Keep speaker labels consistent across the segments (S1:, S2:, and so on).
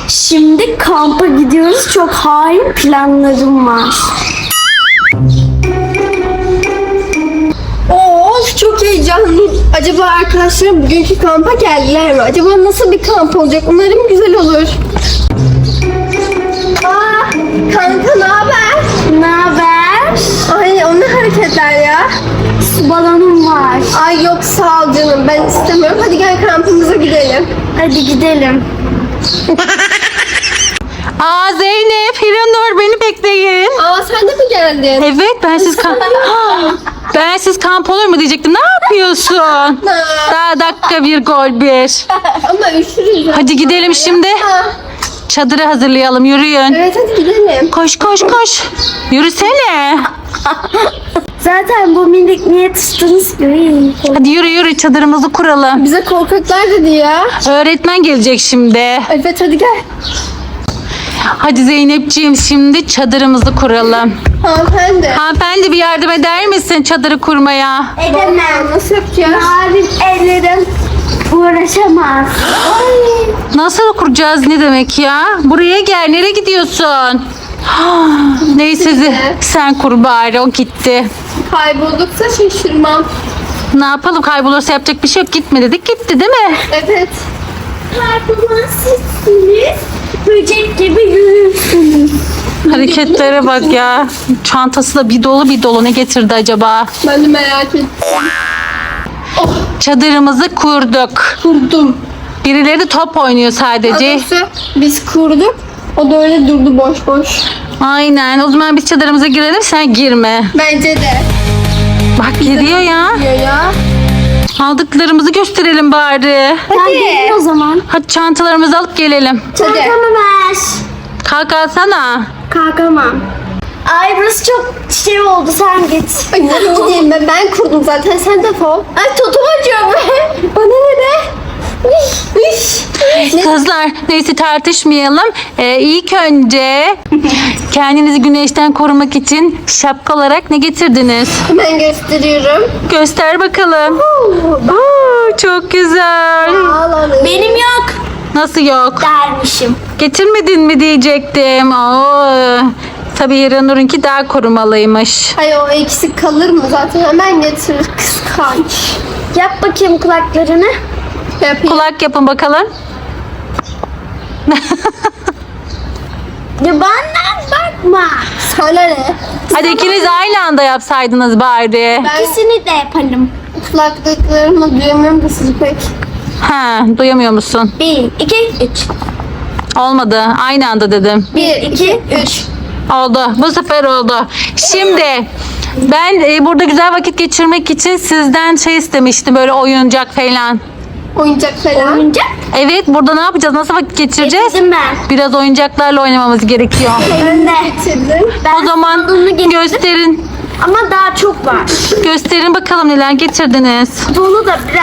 S1: Şimdi kampa gidiyoruz. Çok hain planlarım var.
S2: Of, çok heyecanlıyım. Acaba arkadaşlarım bugünkü kampa geldiler mi? Acaba nasıl bir kamp olacak? Umarım güzel olur. Aa, kanka ne haber?
S1: Ne haber?
S2: Ay, o ne hareketler ya?
S1: Su balonum var.
S2: Ay yok, sağ ol canım, ben istemiyorum. Hadi gel kampımıza gidelim.
S1: Hadi gidelim.
S3: Aa Zeynep, Hiranur beni bekleyin.
S2: Aa, sen de mi geldin?
S3: Evet bensiz kamp... bensiz kamp olur mu diyecektim. Ne yapıyorsun? Daha dakika bir gol bir.
S2: Ama üşürüz.
S3: Hadi gidelim şimdi. Çadırı hazırlayalım, yürüyün.
S2: Evet, hadi gidelim.
S3: Koş koş koş. Yürüsene.
S1: Zaten bu minik niye tuttunuz ki?
S3: Hadi yürü yürü, çadırımızı kuralım.
S2: Bize korkaklar dedi ya.
S3: Öğretmen gelecek şimdi.
S2: Evet, hadi gel.
S3: Hadi Zeynepciğim, şimdi çadırımızı kuralım.
S2: Hanımefendi.
S3: Hanımefendi bir yardım eder misin çadırı kurmaya?
S1: Edemem.
S2: Nasıl yapacağız?
S1: Narin ellerim uğraşamaz.
S3: Nasıl kuracağız, ne demek ya? Buraya gel, nereye gidiyorsun? Neyse sen kur bari, o gitti.
S2: Kaybolduksa şaşırmam.
S3: Ne yapalım, kaybolursa yapacak bir şey yok. Gitme dedik, gitti değil mi?
S2: Evet.
S1: Kaybolan sizsiniz. Böcek gibi yürürsünüz.
S3: Hareketlere bak ya. Çantası da bir dolu bir dolu, ne getirdi acaba?
S2: Ben de merak ettim.
S3: Çadırımızı kurduk.
S2: Kurdum.
S3: Birileri de top oynuyor sadece.
S2: Doğrusu biz kurduk. O da öyle durdu boş boş.
S3: Aynen, o zaman biz çadırımıza girelim, sen girme.
S2: Bence de.
S3: Bak giriyor ya.
S2: Diyor ya.
S3: Aldıklarımızı gösterelim bari.
S1: Hadi gelin o zaman.
S3: Hadi çantalarımızı alıp gelelim.
S2: Hadi.
S1: Çantamı ver.
S3: Kalk alsana.
S1: Kalkamam. Ay burası çok şey oldu, sen git.
S2: Ay, ne gideyim ben kurdum zaten, sen defol. Ay, totum acıyor be. Bana ne be?
S3: Kızlar neyse tartışmayalım. İlk önce kendinizi güneşten korumak için şapka olarak ne getirdiniz?
S2: Hemen gösteriyorum.
S3: Göster bakalım. Oo, çok güzel.
S2: Ağlanın.
S1: Benim yok
S3: Nasıl yok?
S1: dermişim.
S3: Getirmedin mi diyecektim. Oo, tabii Hiranur'unki daha korumalıymış.
S2: Ay, o eksik kalır mı? Zaten hemen getirir, kıskanç.
S1: Yap bakayım kulaklarını.
S2: Yapayım.
S3: Kulak yapın bakalım.
S1: Ya bana bakma.
S2: Sana ne?
S3: Hadi ikiniz aynı anda yapsaydınız bari.
S2: Ben
S1: İkisini de yapalım.
S2: kulaklıklarımla duyamıyorum da sizi pek.
S3: Ha, duyamıyor musun?
S1: 1, 2, 3.
S3: Olmadı. Aynı anda dedim.
S2: 1, 2, 3.
S3: Oldu. Bu sefer oldu. Şimdi ben burada güzel vakit geçirmek için sizden şey istemiştim. Böyle oyuncak falan.
S2: Oyuncak falan.
S1: Oyuncak
S3: Evet, burada ne yapacağız? Nasıl vakit geçireceğiz?
S1: getirdim ben.
S3: Biraz oyuncaklarla oynamamız gerekiyor.
S1: Ben de.
S2: Getirdim.
S3: O zaman gösterin.
S1: Ama daha çok var.
S3: Gösterin bakalım neler getirdiniz.
S1: Dolu da biraz.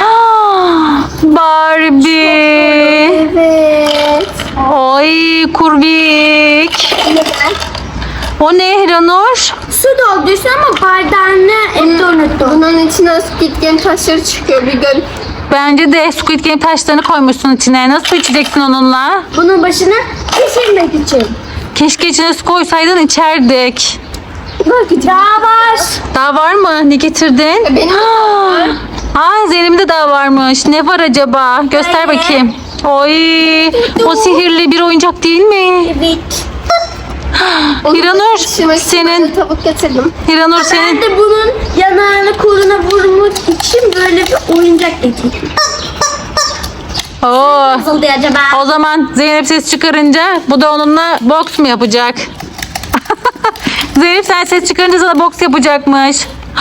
S3: Barbie.
S2: Evet.
S3: Oy kurbik.
S2: Neden?
S3: O ne Hiranur?
S1: Su doldursun ama bardağını evde unuttum.
S2: Bunun içine Squid Game taşları çıkıyor, bir gör.
S3: Bence de Squid Game taşlarını koymuşsun içine. Nasıl içeceksin onunla?
S1: Bunun başına pişirmek için.
S3: Keşke içine su koysaydın, içerdik.
S1: Daha var.
S3: Daha var mı? Ne getirdin?
S2: Benim
S3: Aa, Zeynep'in de daha varmış. Ne var acaba? Göster
S1: Böyle.
S3: bakayım. Oy, o sihirli bir oyuncak değil mi?
S1: Evet.
S3: Hiranur,
S2: senin
S3: senin
S2: tavuk getirdim.
S3: Hiranur
S1: Ben
S3: senin.
S1: de bunun yanağını koluna vurmak için böyle bir oyuncak getirdim.
S3: Oo.
S1: Nasıl oldu acaba?
S3: O zaman Zeynep ses çıkarınca bu da onunla boks mu yapacak? Zeynep sen ses çıkarınca sana boks yapacakmış.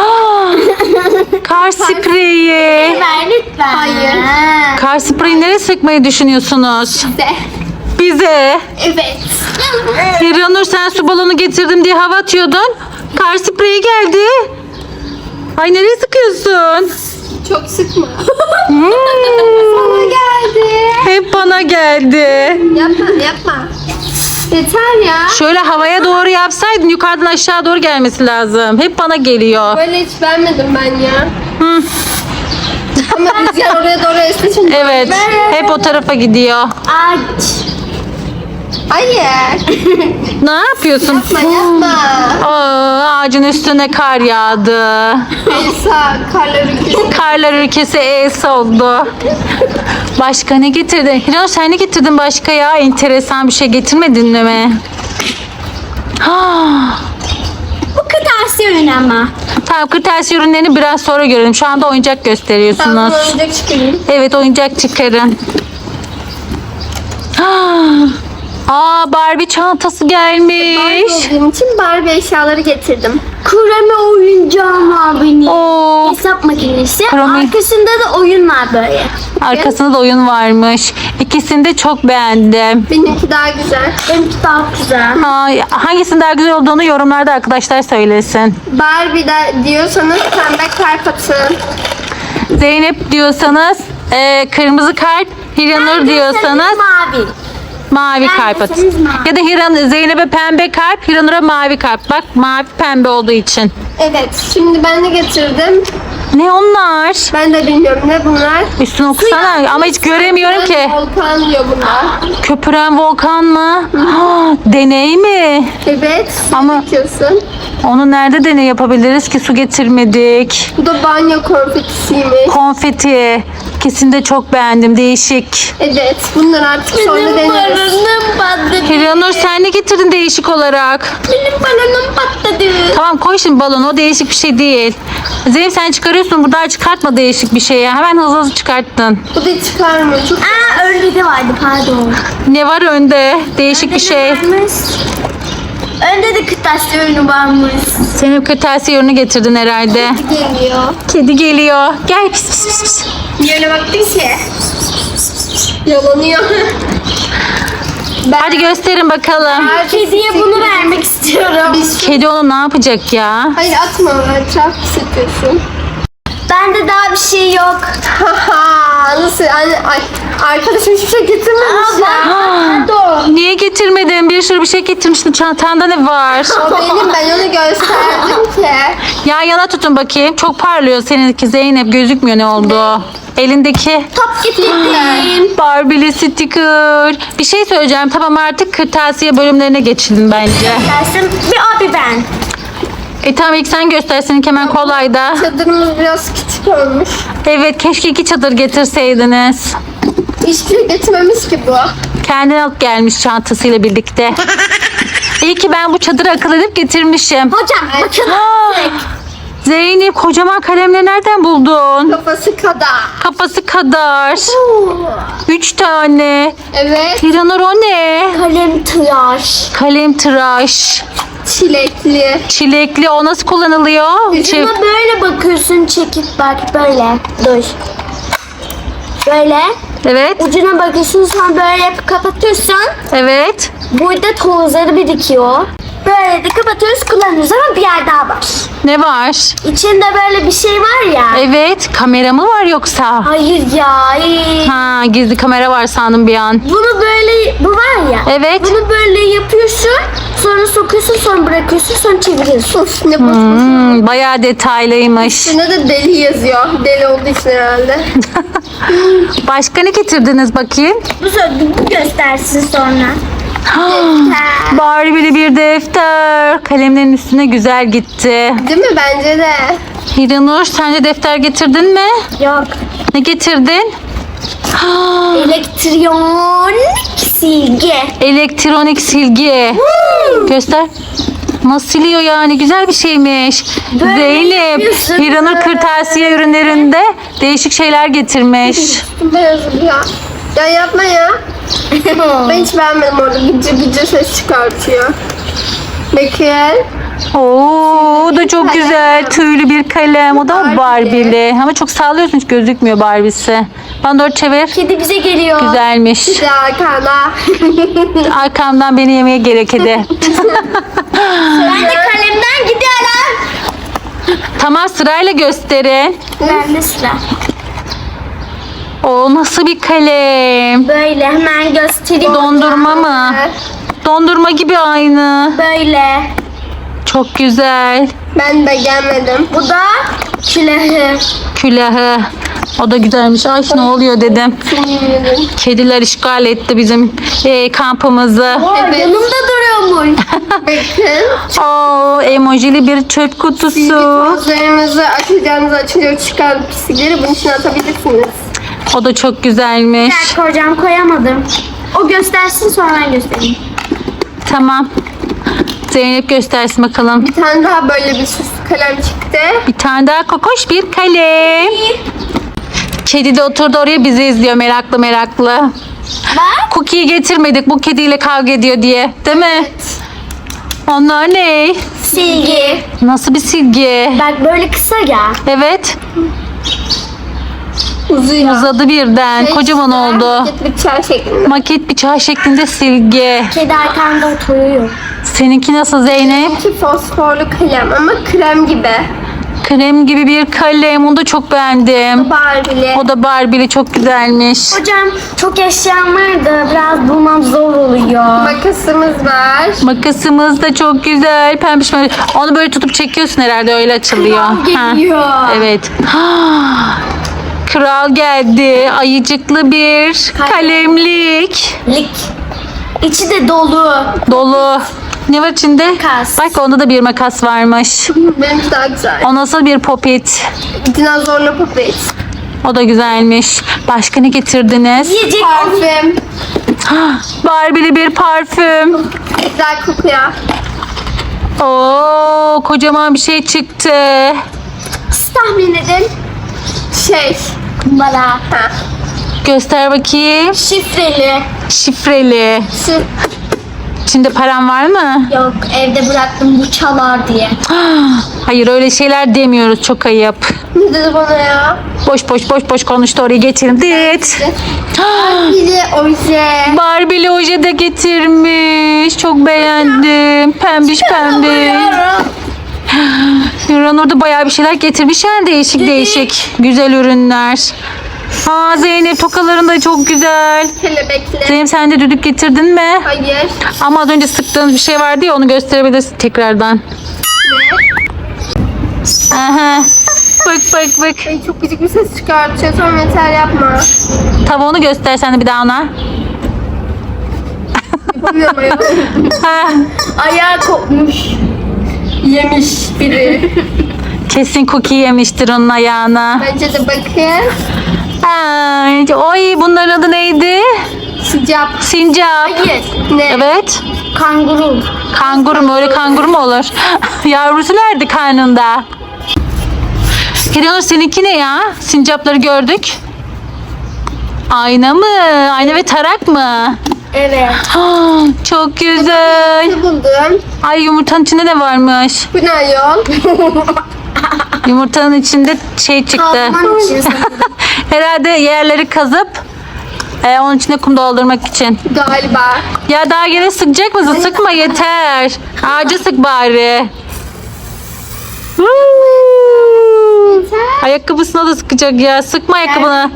S3: Kar spreyi.
S1: Ver lütfen.
S2: Hayır.
S3: Kar spreyi nereye sıkmayı düşünüyorsunuz?
S2: De.
S3: Bize.
S2: Evet.
S3: Hiranur sen su balonu getirdim diye hava atıyordun. Kar spreyi geldi. Ay nereye sıkıyorsun?
S2: Çok sıkma.
S3: Hmm,
S2: Sana geldi.
S3: hep bana geldi.
S2: Yapma. Yeter ya.
S3: Şöyle havaya doğru yapsaydın yukarıdan aşağı doğru gelmesi lazım. Hep bana geliyor.
S2: Böyle hiç vermedim ben ya.
S3: Hı,
S2: Ama rüzgar oraya doğru esti şimdi.
S3: evet. Hep o tarafa gidiyor.
S1: Aç.
S2: Hayır.
S3: Ne yapıyorsun?
S2: Yapma.
S3: Aa, ağacın üstüne kar yağdı.
S2: Elsa karlar ülkesi.
S3: Karlar ülkesi Elsa oldu. Başka ne getirdin? Hiranur sen ne getirdin başka ya? Enteresan bir şey getirmedin mi?
S1: Bu kırtasiye ürünü ama.
S3: Tamam, kırtasiye ürünlerini biraz sonra görelim. Şu anda oyuncak
S2: Tamam
S3: gösteriyorsunuz.
S2: oyuncak çıkarayım.
S3: Evet, oyuncak çıkarın. Aa, Barbie çantası gelmiş.
S2: Olduğum için Barbie eşyaları getirdim.
S1: Kurame oyuncağım var benim.
S3: Oo,
S1: Hesap makinesi.
S3: Kurame.
S1: Arkasında da oyun var böyle.
S3: arkasında da oyun varmış. İkisini de çok beğendim.
S2: Benimki daha güzel.
S1: Benimki daha güzel.
S3: Hangisinin daha güzel olduğunu yorumlarda arkadaşlar söylesin.
S2: Barbie de diyorsanız pembe kalp atın.
S3: Zeynep diyorsanız kırmızı kalp, Hiranur diyorsanız
S1: mavi.
S3: mavi
S1: Ben
S3: kalp atın.
S1: derseniz mavi.
S3: Ya da Zeynep'e pembe kalp, Hiranur'a mavi kalp. Bak, mavi pembe olduğu için.
S2: Evet şimdi ben de getirdim.
S3: Ne onlar?
S2: Ben de bilmiyorum ne bunlar.
S3: Üstüne okusana ama hiç göremiyorum ki.
S2: Volkan diyor bunlar.
S3: Köpüren volkan mı? Deney mi?
S2: Evet.
S3: Ama-
S2: Diyorsun.
S3: Onu nerede deney yapabiliriz ki, su getirmedik.
S2: Bu da banyo konfetisiymiş.
S3: Konfeti. Kesin de çok beğendim. Değişik.
S2: Evet. Bunlar artık sonra
S1: Benim
S2: deneriz.
S1: balonum patladı.
S3: Hiranur sen ne getirdin değişik olarak?
S1: Benim balonum patladı.
S3: Tamam, koy şimdi balonu. O değişik bir şey değil. Zeynep sen çıkarıyorsun. Burada çıkartma değişik bir şey ya. Hemen hızlı hızlı çıkarttın.
S2: Bu da çıkarmıyor. Çok
S1: Önde de vardı pardon.
S3: Ne var önde? Değişik bir şey.
S1: Varmış. Önde de kırtasiye ürünü varmış.
S3: Senin kırtasiye ürünü getirdin herhalde.
S2: geliyor.
S3: Kedi geliyor. Gel pis pis pis pis.
S2: Yöne baktın ki. Yalanıyor.
S3: Hadi gösterin bakalım.
S1: Kediye bunu vermek istiyorum.
S3: Kedi onu ne yapacak ya?
S2: Hayır atma. Etraf sıkıyorsun.
S1: Bende daha bir şey yok.
S2: Haha. Nasıl? Ay, arkadaşım hiçbir şey getirmemiş ya.
S3: Niye getirmedin? Bir sürü bir şey getirmiştin. Çantanda ne var?
S2: O benim, ben onu gösterdim ki.
S3: Yan yana tutun bakayım. Çok parlıyor seninki Zeynep. Gözükmüyor ne oldu. Elindeki
S1: Top getirdim.
S3: Barbie'li sticker. Bir şey söyleyeceğim. Tamam, artık kırtasiye bölümlerine geçelim bence.
S1: Dersim bir abi ben.
S3: Tamam, ilk sen göster. Seninki hemen kolay da.
S2: Çadırımız biraz küçük olmuş.
S3: Evet, keşke 2 çadır getirseydiniz.
S2: Hiçbir şey getirmemiş ki bu.
S3: Kendini alıp gelmiş çantasıyla birlikte. İyi ki ben bu çadırı akıl edip getirmişim.
S1: Hocam bakın.
S3: Zeynep, kocaman kalemleri nereden buldun?
S2: Kafası kadar.
S3: Kafası kadar. 3 tane.
S2: Evet.
S3: Hiranur o ne?
S1: Kalem tıraş.
S3: Kalem tıraş.
S2: Çilekli.
S3: Çilekli, o nasıl kullanılıyor?
S1: Ucuna böyle bakıyorsun, çekip bak böyle. Dur. Böyle.
S3: Evet.
S1: Ucuna bakıyorsun, sonra böyle yapıp kapatıyorsun.
S3: Evet.
S1: Burada tozları birikiyor. Böyle de kapatıyoruz, kullanıyoruz ama bir yer daha var.
S3: Ne var?
S1: İçinde böyle bir şey var ya.
S3: Evet. Kamera mı var yoksa?
S1: Hayır ya. ay.
S3: Ha, gizli kamera var sandım bir an.
S1: Bunu böyle, bu var ya.
S3: Evet.
S1: Bunu böyle yapıyorsun, sonra sokuyorsun, sonra bırakıyorsun, sonra çeviriyorsun.
S2: Of ne boş.
S3: Bayağı detaylıymış.
S2: Üstünde de deli yazıyor. Deli olduğu için herhalde.
S3: Başka ne getirdiniz bakayım?
S1: Bu göstersin sonra.
S3: Barbie'li bir defter. Kalemlerin üstüne güzel gitti.
S2: Değil mi? Bence de.
S3: Hiranur, sence defter getirdin mi?
S1: Yok.
S3: Ne getirdin?
S1: Elektronik silgi.
S3: Elektronik silgi. Göster. Nasıl siliyor yani? Güzel bir şeymiş.
S1: Böyle
S3: Zeynep,
S1: yapıyorsun,
S3: Hiranur
S1: böyle.
S3: kırtasiye ürünlerinde değişik şeyler getirmiş.
S2: Beyazım ya. Ya yapma ya. Ben hiç beğenmedim orada. Gıcır gıcır ses çıkartıyor. Bakın.
S3: Oo, o da çok
S2: Kalem.
S3: güzel. Tüylü bir kalem. O da
S2: Barbie.
S3: Barbie'li. Ama çok sağlıyorsun, hiç gözükmüyor Barbie'si. Bana doğru çevir.
S1: Kedi bize geliyor.
S3: Güzelmiş.
S2: Bir de arkada.
S3: Arkamdan beni yemeye gerek ede.
S1: Ben de kalemden gidiyorum.
S3: Tamam, sırayla gösterin.
S1: Ben de sıra.
S3: O nasıl bir kalem?
S1: Böyle hemen göstereyim.
S3: Dondurma mı? Dondurma gibi aynı.
S1: Böyle.
S3: Çok güzel.
S2: Ben beğenmedim.
S1: Bu da külahı.
S3: Külahı. O da güzelmiş. Ay ne oluyor dedim.
S2: Yemin
S3: Kediler işgal etti bizim kampımızı.
S2: Evet.
S1: Yanımda duruyormuş.
S2: Bakın.
S3: Oo, emojili bir çöp kutusu.
S2: Tozlarınızı açacağınızı açınca çıkan pislikleri bunun içine atabilirsiniz.
S3: O da çok güzelmiş.
S1: Ben koyacağım, koyamadım. O göstersin, sonra ben göstereyim.
S3: Tamam. Zeynep göstersin bakalım.
S2: Bir tane daha böyle bir süslü kalem çıktı.
S3: Bir tane daha kokoş bir kalem. Kedi de oturdu oraya bizi izliyor meraklı meraklı.
S1: Bak.
S3: Cookie'yi getirmedik bu kediyle kavga ediyor diye. Değil mi? Onlar ne?
S1: Silgi.
S3: Nasıl bir silgi?
S1: Bak böyle kısa ya.
S3: Evet.
S2: Uzuyor.
S3: Uzadı birden. Kocaman oldu.
S2: Bir çay şeklinde.
S3: Maket bıçağı şeklinde silgi.
S1: Kedi arkanda oturuyor.
S3: Seninki nasıl Zeynep?
S2: İki fosforlu kalem ama krem gibi.
S3: Krem gibi bir kalem. Onu da çok beğendim.
S2: Barbie'li.
S3: O da Barbie'li çok güzelmiş.
S1: Hocam çok eşyam vardı. Biraz bulmam zor oluyor.
S2: Makasımız var.
S3: Makasımız da çok güzel. Pembiş pembiş. Onu böyle tutup çekiyorsun herhalde öyle açılıyor. Ha.
S1: Geliyor.
S3: Evet. Kral geldi. Ayıcıklı bir kalemlik.
S1: Lik. İçi de dolu.
S3: Dolu. Ne var içinde?
S1: Makas.
S3: Bak onda da bir makas varmış.
S2: Benimki daha güzel.
S3: O nasıl bir popit?
S2: Dinozorlu popet.
S3: O da güzelmiş. Başka ne getirdiniz?
S1: Yiyecek.
S2: Parfüm.
S3: Barbie'li bir parfüm.
S2: Güzel kokuyor.
S3: Oo, kocaman bir şey çıktı.
S1: Siz tahmin edin.
S2: Şey.
S1: Bana.
S2: Ha.
S3: Göster bakayım.
S1: Şifreli.
S3: Şifreli.
S2: Şu.
S3: İçinde param var mı?
S1: Yok, evde bıraktım bu çalar diye.
S3: Hayır öyle şeyler demiyoruz. Çok ayıp.
S2: Ne dedi bana ya?
S3: Boş konuştu oraya geçelim. Dit.
S2: Bir de oje.
S3: Barbie'li oje de getirmiş. Çok beğendim. Pembiş pembiş. Yuran orada bayağı bir şeyler getirmiş yani değişik. Güzel ürünler. Aa Zeynep tokaların da çok güzel.
S2: Kelebekli.
S3: Zeynep sen de düdük getirdin mi?
S2: Hayır.
S3: Ama az önce sıktığınız bir şey vardı ya onu gösterebilirsin tekrardan. Aha. Bak.
S2: Ay, çok gıcık bir ses çıkartıyor. Sonra yeter yapma.
S3: Tavuğunu göster sen de bir daha ona.
S2: Yapamıyorum ayol.
S3: Ha,
S1: Ayağı kopmuş.
S2: Yemiş biri.
S3: kesin cookie yemiştir onun ayağına.
S2: Bence de bakın.
S3: Ay, oy bunların adı neydi?
S2: Sıcak.
S3: Sincap.
S1: Hayır.
S2: Ne?
S3: Evet.
S1: Kanguru.
S3: Kanguru mu? Öyle kanguru mu olur? Yavrusu nerede karnında? Hiranur seninki ne ya? Sincapları gördük. Ayna mı? Ayna ve tarak mı?
S1: Evet.
S3: Ah, çok güzel.
S2: Ne buldum?
S3: Ay yumurtanın içinde ne varmış?
S2: Bu ne ayol?
S3: Yumurtanın içinde şey çıktı.
S1: Kazman için sanırım.
S3: Herhalde yerleri kazıp onun içine kum doldurmak için.
S2: Galiba.
S3: Ya daha gene sıkacak mısın? Sıkma yeter. Ağaca sık bari. Ayakkabısına da sıkacak ya. Sıkma ayakkabını.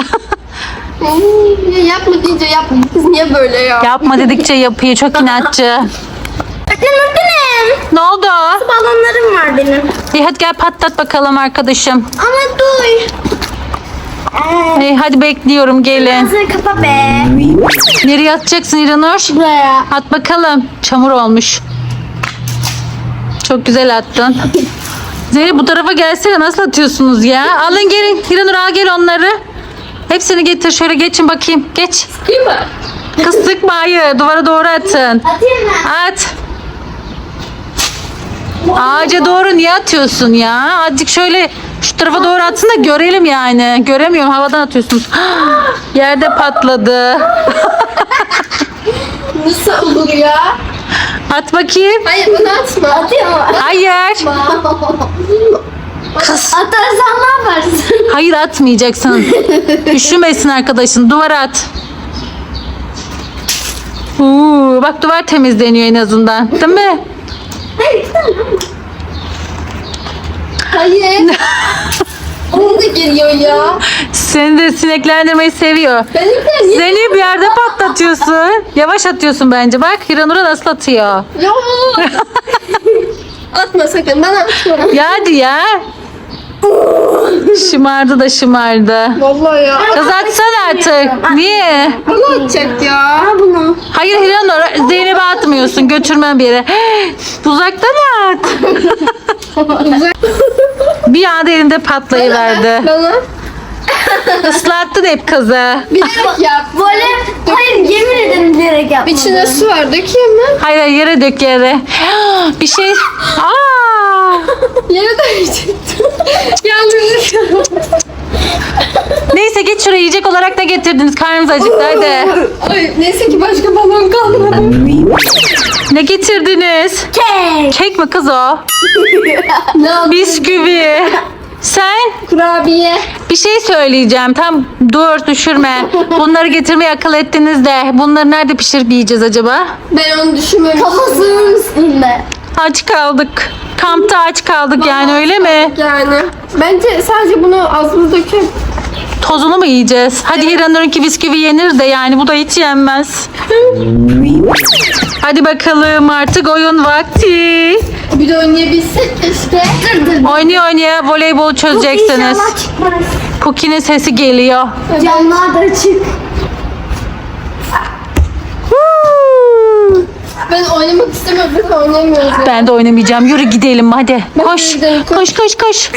S2: Ya yapma deyince yapma. Kız niye böyle ya?
S3: Yapma dedikçe yapıyor. Çok inatçı.
S1: Öğretmenim.
S3: Ne oldu?
S1: Balonlarım var benim.
S3: İyi hadi gel patlat bakalım arkadaşım.
S1: Ama dur.
S3: İyi, hadi bekliyorum gelin.
S1: Ağzını kapa be.
S3: Nereye atacaksın İranur?
S1: Buraya.
S3: At bakalım. Çamur olmuş. Çok güzel attın. Zeynep bu tarafa gelsene. Nasıl atıyorsunuz ya? Alın gelin. İranur al gel onları. Hepsini getir. Şöyle geçin bakayım. Geç.
S2: Değil mi?
S3: Kız sıkma hayır. Duvara doğru atın.
S1: Atayım mı?
S3: At. Ağaca doğru niye atıyorsun ya? Azıcık şöyle şu tarafa doğru atsın da görelim yani. Göremiyorum. Havadan atıyorsunuz. Yerde patladı.
S2: Nasıl olur ya?
S3: At bakayım.
S2: Hayır bunu atma.
S1: Atayım mı?
S3: Hayır. Kız.
S1: Atarsan ne yaparsın?
S3: Hayır atmayacaksın. Üşümesin arkadaşın. Duvara at. Bak duvar temizleniyor en azından. Değil mi?
S1: Hayır, tamam.
S2: Hayır. Onu da geliyor ya.
S3: Seni de sineklendirmeyi seviyor.
S2: Benimkiler niye?
S3: Seni bir yerde patlatıyorsun. Yavaş atıyorsun bence. Bak Hiranur'a nasıl atıyor.
S2: Ya. Atma sakın. Ben atmıyorum.
S3: Ya hadi ya. Şımardı da şımardı.
S2: Vallahi ya.
S3: Kız atsana artık. Niye?
S2: Bunu atacak ya.
S1: Al bunu.
S3: Hayır Hiranur, Zeynep'e atmıyorsun. Götürmem bir yere. Uzaktan at. Bir anda elinde patlayıverdi.
S2: Bana.
S3: Islattın hep kızı.
S2: Bilerek yap.
S1: Böyle hayır yemin ederim bilerek yapmadım.
S2: İçine su var, dökeyim mi?
S3: Hayır hayır, yere dök yere. Bir şey. Aa!
S2: Yere dökecektim. Yanlış.
S3: Neyse geç şuraya, yiyecek olarak da getirdiniz. Karnımız acıktı hadi.
S2: Ay, neyse ki başka balon kalmadı.
S3: Ne getirdiniz?
S1: Kek.
S3: Kek mi kız o?
S2: Ne oldu?
S3: Bisküvi. Sen?
S2: Kurabiye.
S3: Bir şey söyleyeceğim. Tam dur düşürme. Bunları getirmeye akıl ettiniz de. Bunları nerede pişirip yiyeceğiz acaba?
S2: Ben onu düşünmemiştim.
S1: Kafasının üstünde.
S3: Aç kaldık. Kampta aç kaldık yani, öyle mi?
S2: Yani. Bence sadece bunu ağzımıza döküp
S3: Tozunu mu yiyeceğiz? Hadi Hiranur'unki bisküvi yenir de yani bu da hiç yenmez. Hadi bakalım, artık oyun vakti.
S2: bir de oynayabilsek keşke.
S3: Oynaya oynaya voleybol çözeceksiniz.
S1: İnşallah çıkmaz.
S3: Cookie'nin sesi geliyor.
S1: Camlar da açık.
S2: Ben oynamak istemiyorum. Biz oynamıyoruz. Ya.
S3: Ben de oynamayacağım. Yürü gidelim hadi. Koş.
S2: gidelim,
S3: Koş koş koş.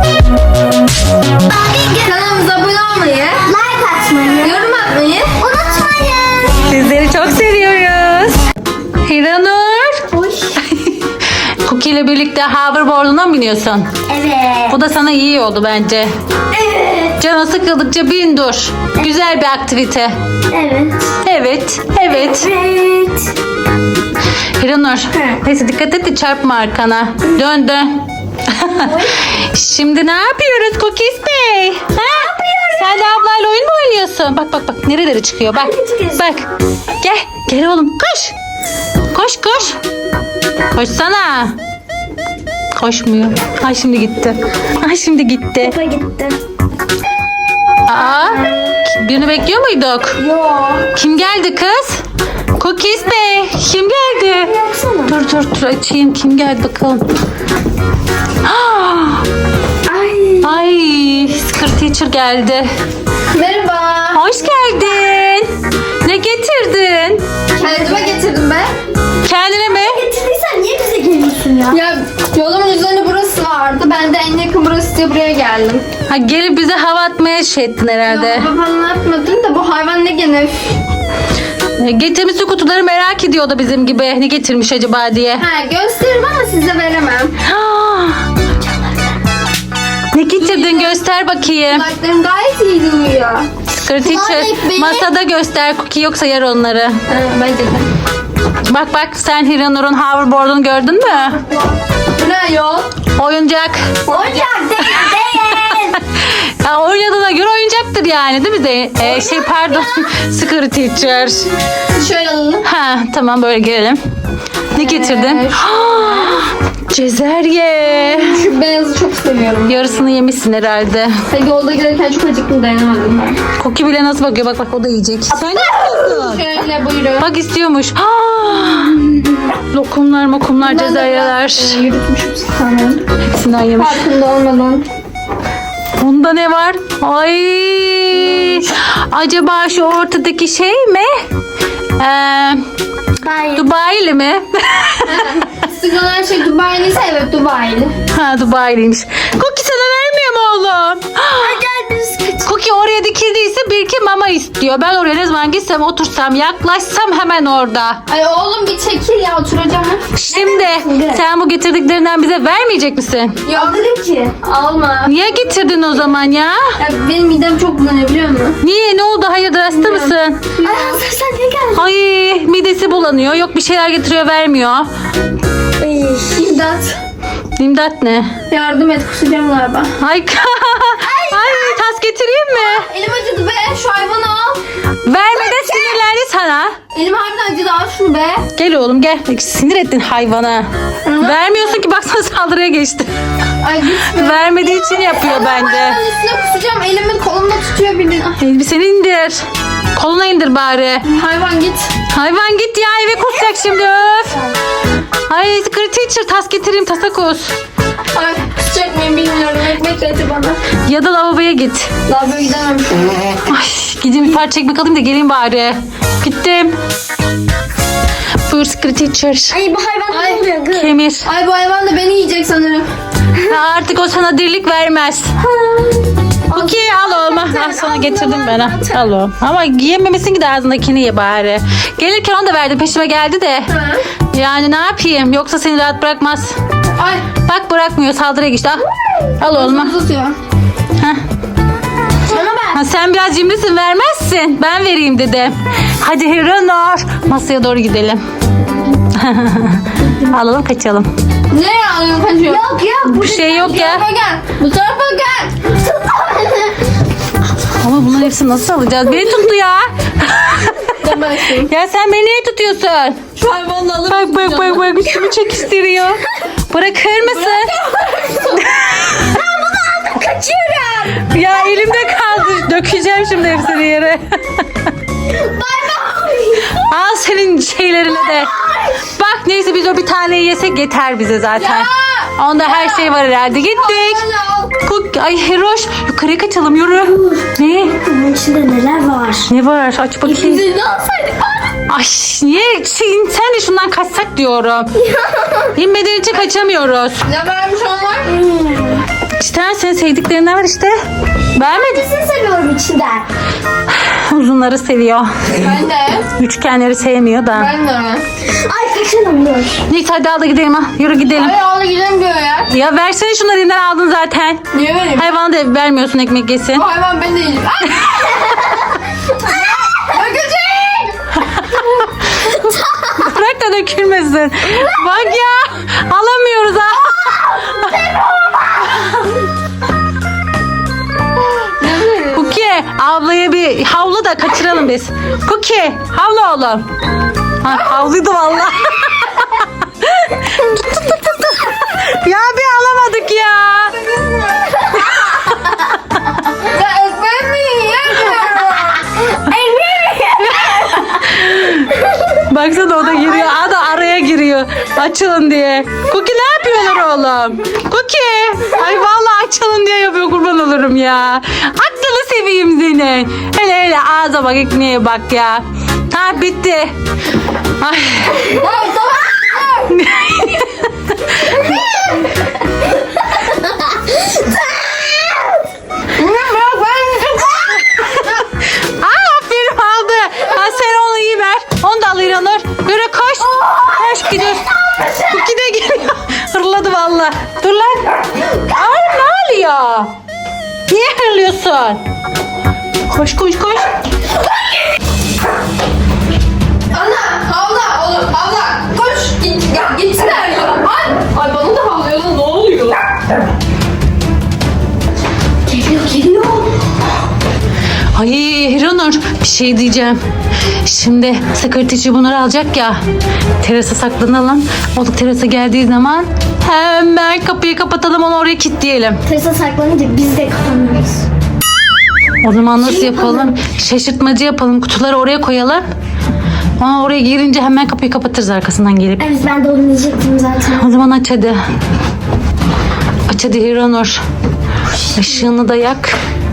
S2: Kanalımıza abone olmayı,
S1: Like atmayı
S2: yorum atmayı.
S1: unutmayın.
S3: Sizleri çok seviyoruz. Hiranur.
S1: Hoş.
S3: Cookie ile birlikte hoverboard'una mı biniyorsun?
S1: Evet.
S3: Bu da sana iyi oldu bence.
S1: Evet.
S3: Canı sıkıldıkça bin dur. Güzel bir aktivite.
S1: Evet.
S3: Evet. Evet.
S1: Evet.
S3: Hiranur. Neyse dikkat et de çarpma arkana. Dön dön. Şimdi ne yapıyoruz Cookies Bey? Ha? Sen de ablayla oyun mu oynuyorsun? Bak bak bak nerelere çıkıyor bak. Bak. Gel. Gel oğlum koş. Koş koş. Koşsana. Koşmuyor. Ay şimdi gitti. Ay şimdi gitti.
S1: Topa gitti.
S3: Aa, birini bekliyor muyduk?
S1: Yok.
S3: Kim geldi kız? Cookies Bey. Kim geldi?
S1: Baksana.
S3: Dur açayım. Kim geldi bakalım. Ah,
S1: Ay.
S3: ay Skirt Teacher geldi.
S2: Merhaba.
S3: Hoş geldin. Ne getirdin?
S2: Kendime getirdim ben.
S3: Kendine mi?
S1: Getirdiysen niye bize geliyorsun ya?
S2: Ya yolumun üzerinde burası vardı. Ben de en yakın burası diye buraya geldim.
S3: Ha, gelip bize hava atmaya şey ettin herhalde.
S2: Ya babam ne yapmadın da bu hayvan ne gene?
S3: Getirmişsin kutuları, merak ediyordu bizim gibi. Ne getirmiş acaba diye.
S2: Ha gösteririm ama size veremem.
S3: Ah, ne getirdin göster bakayım.
S2: Kulaklarım gayet iyi duyuyor.
S3: Skirt Teacher
S2: ekmeği.
S3: masada göster, Cookie yoksa yer onları.
S2: Ha, bence de.
S3: Bak sen Hiranur'un hoverboard'unu gördün mü?
S2: Bu ne yol?
S3: Oyuncak.
S1: Oyuncak değil.
S3: Ya oynadığına göre oyuncaktır yani değil mi pardon Skirt Teacher.
S2: Şöyle alalım.
S3: Ha tamam, böyle gelelim. Ne getirdin? Cezerye.
S2: Şu beyazı çok seviyorum.
S3: Yarısını yemişsin herhalde.
S2: Ve yolda giderken çok acıktım, dayanamadım ben.
S3: Cookie bile nasıl bakıyor, bak o da yiyecek. Sen ne yapıyorsun?
S2: Şöyle buyurun.
S3: Bak istiyormuş. Lokumlar, cezeryeler.
S2: Yürütmüşüm sanırım.
S3: Hepsinden yemiş.
S2: Farkında olmadan.
S3: Bunda ne var? Ay! Acaba şu ortadaki şey mi?
S1: Hayır.
S3: Dubai'li mi?
S2: Sigara şey Dubai'liyse evet Dubai'li.
S3: Ha, Dubai'liymiş. Cookie sana vermiyor mu oğlum?
S1: Gel biz kaç.
S3: Cookie oraya dikildiyse bir iki mama istiyor. Ben oraya ne zaman gitsem, otursam, yaklaşsam hemen orada.
S2: Ay oğlum bir çekil ya, oturacağım.
S3: Şimdi sen bu getirdiklerinden bize vermeyecek misin?
S2: Alırım ki. Alma.
S3: Niye getirdin o zaman ya?
S2: Ya benim midem çok bulanıyor biliyor musun?
S3: Niye? Ne oldu? Hayırdır, hasta mısın?
S1: Ay hazır sen niye geldin?
S3: Ay midesi bulanıyor. Yok bir şeyler getiriyor, vermiyor.
S2: İmdat.
S3: İmdat ne?
S2: Yardım et, kusacağım galiba.
S3: Ay, ay tas getireyim mi?
S2: Elim acıdı be, şu hayvanı al.
S3: Vermeden sinirlendi sana.
S2: Elim harbiden acıdı, al şunu be.
S3: Gel oğlum gel. Sinir ettin hayvana. Vermiyorsun ki, baksana saldırıya geçti.
S2: Ay gitme.
S3: Vermediği için yapıyor bence.
S2: Hayvanın üstüne kusacağım, elimin kolumda tutuyor bildiğin. Ay,
S3: Elbiseni indir. Koluna indir bari.
S2: hayvan git.
S3: Hayvan git ya, eve kusacak şimdi, öf. Ay Secret Teacher tas getireyim tasakoz.
S2: Ay sıcak mıyım bilmiyorum. Ekmek getir bana.
S3: Ya da lavaboya git.
S2: Lavaboya gidemem.
S3: Ay gideyim bir parça ekmek alayım da geleyim bari. Gittim. Buyur Secret Teacher.
S1: Ay bu hayvan
S2: Ay.
S1: ne oluyor kız?
S3: Kemir.
S2: Ay bu hayvan da beni yiyecek sanırım.
S3: Artık o sana dirlik vermez. Okey al oğlum. Al sana getirdim ben. Al oğlum. Ama yiyememesin ki de ağzındakini ye bari. Gelirken onu da verdim. Peşime geldi de. Yani ne yapayım? Yoksa seni rahat bırakmaz.
S2: Ay.
S3: Bak bırakmıyor. Saldırıya geçti. Al oğlum.
S2: Tutuyor.
S3: Heh. Ha, sen biraz cimrisin vermezsin. Ben vereyim dedim. Hadi Hiranur. Masaya doğru gidelim. Alalım kaçalım.
S2: Nereye alıyorsun kaçıyor?
S1: Yok yok.
S3: Bir şey yok
S2: Bu
S3: ya.
S2: tarafa gel. Bu tarafa gel.
S3: Ama bunların hepsini nasıl alacağız? Beni tuttu ya.
S2: Demezsin.
S3: Ya sen beni niye tutuyorsun?
S2: Şu hayvanla alıp
S3: Bak üstümü çekiştiriyor. Bırakır mısın?
S1: Kaçıyorum.
S3: Ya elimde kaldı. Dökeceğim şimdi hepsini yere. Al senin şeylerine de. Bak neyse biz o bir taneyi yesek yeter bize zaten.
S2: Ya!
S3: Onda her şey var herhalde. Gittik. Ay Heroş yukarıya kaçalım yürü. Ne?
S1: Bunun içinde neler var?
S3: Ne var? Aç bakayım.
S2: Bizi alsaydık.
S3: Ay niye? Sen de şundan kaçsak diyorum. İnmeden önce kaçamıyoruz.
S2: Ne varmış onlar?
S3: İşte senin sevdiklerinden var işte. Beğenmedin.
S1: Seni seviyorum içinden.
S3: Uzunları seviyor.
S2: Ben de.
S3: Üçgenleri sevmiyor da.
S2: Ben de.
S1: Ay kaçalım dur.
S3: Neyse hadi al da gidelim ha. Yürü gidelim.
S2: Ay ağla gidemiyor ya.
S3: Ya versene şunları elinden aldın zaten.
S2: Niye vereyim?
S3: Hayvana da vermiyorsun ekmek yesin.
S2: Bu hayvan beni de yiyecek. Bakacak.
S3: Bırak da dökülmesin. Bak ya. Alamıyoruz ha. Cookie ablaya bir havlu da kaçıralım biz. Cookie havlu oğlum. Ha, havluydu valla. Ya bir alamadık ya.
S2: Ya ekmeği mi yiyemiyorum?
S3: Baksana o da giriyor. O da araya giriyor. Açılın diye. Cookie ne yapıyorlar oğlum? Cookie. Ay vallahi açılın diye yapıyor kurban olurum ya. Aklını seveyim seni. Hele ağza bak ekmeğe bak ya. Ha bitti. Ay.
S2: Ay tamam.
S3: Aferin aldı. Ha, sen onu iyi ver. Onu da al İranur. Yürü koş. Koş gidiyoruz. Cookie de geliyor. Hırladı valla. Dur lan. Ay ne oluyor? Niye hırlıyorsun? Koş koş koş.
S2: Ana havla oğlum havla. Koş git ya gitsinler ya. Ay bana da havlıyor lan ne oluyor?
S1: Geliyor.
S3: Ay Hiranur bir şey diyeceğim. Şimdi sekreterci bunları alacak ya. Terasa saklanalım. O da terasa geldiği zaman hemen kapıyı kapatalım onu oraya kilitleyelim.
S1: Terasa saklanınca biz de kapanırız.
S3: O zaman nasıl yapalım? Şaşırtmacı yapalım. Kutuları oraya koyalım. Ama oraya girince hemen kapıyı kapatırız arkasından gelip.
S1: Evet ben de onu diyecektim zaten.
S3: O zaman aç hadi. Aç hadi Hiranur. Işığını da yak.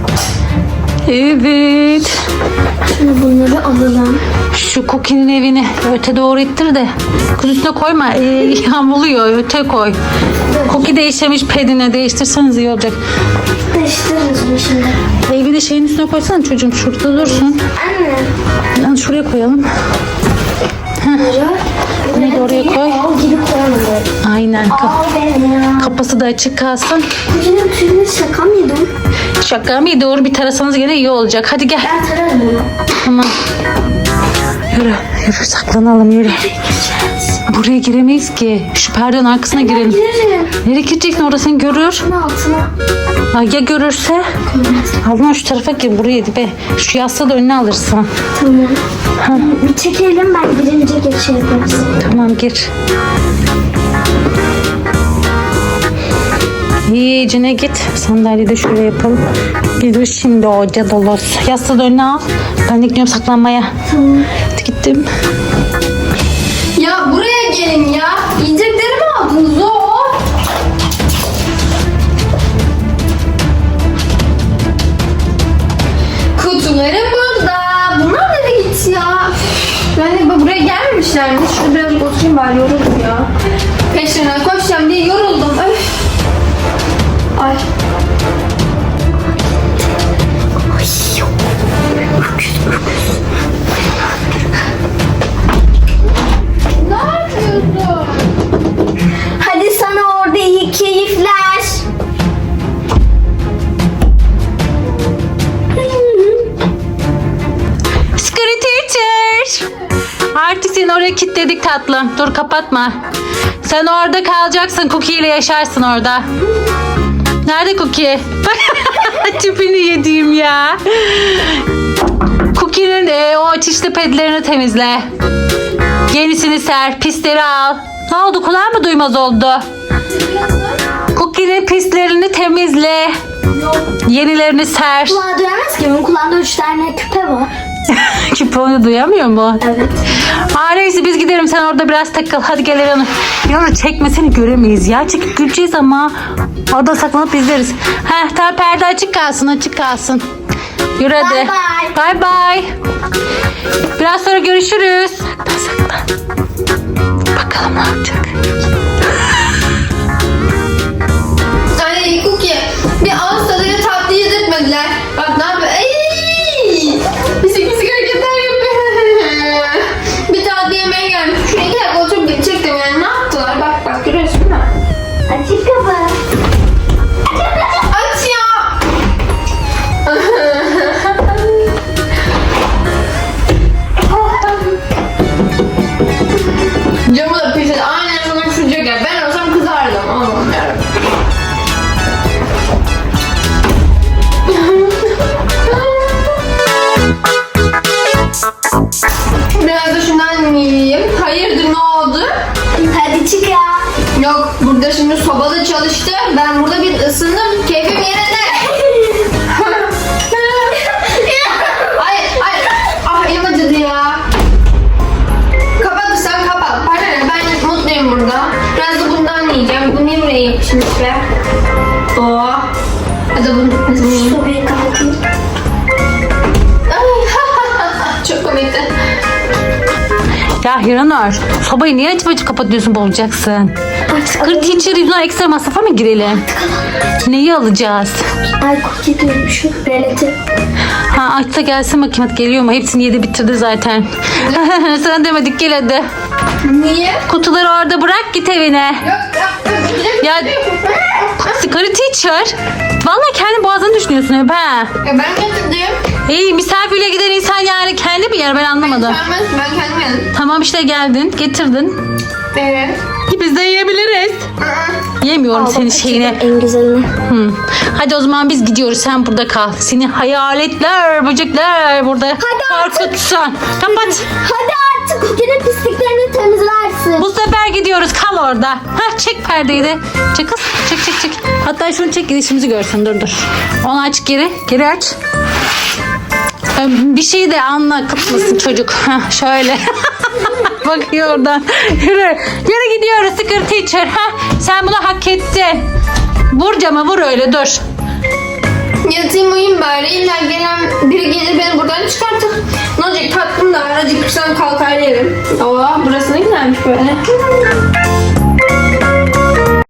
S3: Evet.
S1: Şimdi bunları alalım.
S3: Şu Cookie'nin evini öte doğru ittir de kız üstüne koyma. Yağmurluyor öte koy. Cookie değiştirmiş pedine değiştirseniz iyi olacak.
S1: Değiştiririz bunu şimdi.
S3: Evi de şeyin üstüne koysana çocuğum şurada dursun.
S1: Anne.
S3: Yani şuraya koyalım.
S1: Bunları
S3: Bunu da oraya koy.
S1: al gibi koyalım.
S3: Aynen.
S1: Al benim ya.
S3: Kapısı da açık kalsın.
S1: Bugünün tüyünü şaka mıydım?
S3: Şaka mı? Doğru bir tarasanız gene iyi olacak. Hadi gel.
S1: Ben tararım onu.
S3: Tamam. Yürü. Yürü saklanalım yürü. Buraya giremeyiz ki. Şu perdenin arkasına girelim.
S1: Girerim.
S3: Nereye gireceksin orasını görür.
S1: Şunun altına.
S3: Ha, ya görürse? Alma şu tarafa gir buraya be. Şu yastığı da önüne alırsın.
S1: Tamam. Bir çekelim ben girince geçe yaparız.
S3: Tamam gir. İyicine git. Sandalyeyi de şöyle yapalım. Gidiyor şimdi o cadolos. Yastığı da önüne al. Ben de gidiyorum saklanmaya.
S1: Tamam.
S3: Hadi gittim.
S2: Ya buraya gelin ya. Yiyecek birazcık oturayım bari, yoruldum ya. Peşinden koşacağım diye yoruldum. Ay. Ne yapıyorsun?
S1: Hadi sana orada iyi keyifler.
S3: Scary teacher. Artık seni oraya kilitledik tatlım. Dur kapatma. Sen orada kalacaksın. Cookie ile yaşarsın orada. Nerede Cookie? Tipini yediğim ya. Cookie'nin o çişli pedlerini temizle. Yenisini ser. Pisleri al. Ne oldu? Kulağın mı duymaz oldu? Cookie'nin pislerini temizle. Yenilerini ser.
S1: Kulağı duyamaz ki. Benim kulağımda 3 tane küpe var.
S3: Küpe onu duyamıyor mu?
S1: Evet.
S3: Neyse biz gidelim, sen orada biraz takıl. Hadi gel Elanur. Elanur çekmesini göremeyiz ya. Çekip güleceğiz ama orada saklanıp izleriz. Tamam, perde açık kalsın, açık kalsın. Yürü hadi.
S1: Bye bye.
S3: Bye bye. Biraz sonra görüşürüz. Saklan. Bakalım ne yapacak.
S2: Ay Cookie, bir ağız tadıyla tatlı yedirtmediler. Bak ne yapıyor? Pisik pisik hareketler yapıyor. Bir tatlı yemeğe gelmiş. Şuraya 2 dakika oturup gidecektim yani. Ne yaptılar? Bak görüyorsun değil mi?
S1: Açık kapı.
S2: Aç ya. Camı da pis et. Aynen sana düşecek ya. Ben olsam kızardım. Allah'ım yarabbim. Biraz da şundan yiyeyim. Hayırdır, ne oldu?
S1: Hadi çık ya.
S2: Yok, burada şimdi sobada çalıştı. Ben burada bir ısındım. Keyfim yerinde. Ay. Ah, elim acıdı ya. Kapat sen, kapat. Pardon, ben mutluyum burada. Biraz da bundan yiyeceğim. Bu niye buraya yapışmış be? Oo. Hadi bunu.
S1: Sobayı kalkayım.
S2: Ay, çok komikti.
S3: Ya Hiranur, sobayı niye açıp kapatıyorsun, bozacaksın? Scary teacher yüzünden ekstra masrafa mı girelim? Neyi alacağız?
S1: Ay cookie diyorum şu relatif.
S3: Aç da gelsin bakayım, hadi geliyor mu? Hepsini yedi bitirdi zaten. Sana demedik, gel hadi.
S2: Niye?
S3: Kutuları orada bırak, git evine. Ya Scary teacher, vallahi kendi boğazını düşünüyorsun hep ha.
S2: Ben getirdim.
S3: İyi, misafirle giden insan yani kendi mi yer, ben anlamadım.
S2: Ben kendim yedim.
S3: Tamam işte, geldin getirdin.
S2: Evet.
S3: Biz de yiyebiliriz. Yemiyorum senin şeyini.
S1: En güzelini.
S3: Hadi o zaman biz gidiyoruz, sen burada kal. Seni hayaletler, böcekler burada korkutsun. Kapat.
S1: Hadi artık cookie'nin pisliklerini temizlersin.
S3: Bu sefer gidiyoruz, kal orada. Çek perdeyi de. Çek kız, çek. Hatta şunu çek, gidişimizi görsün, dur. Onu aç geri aç. Bir şey de anla, kıtmasın çocuk. Şöyle. Bakıyor oradan. Yürü gidiyoruz Scary teacher. Sen bunu hak ettin. Vur cama, vur öyle, dur.
S2: Yatayım uyuyayım bari. İlla gelen biri gelir beni buradan çıkartır. Ne olacak, tatlım da var. Acıkırsan kalkar yerim. Oo, burası ne güzelmiş böyle.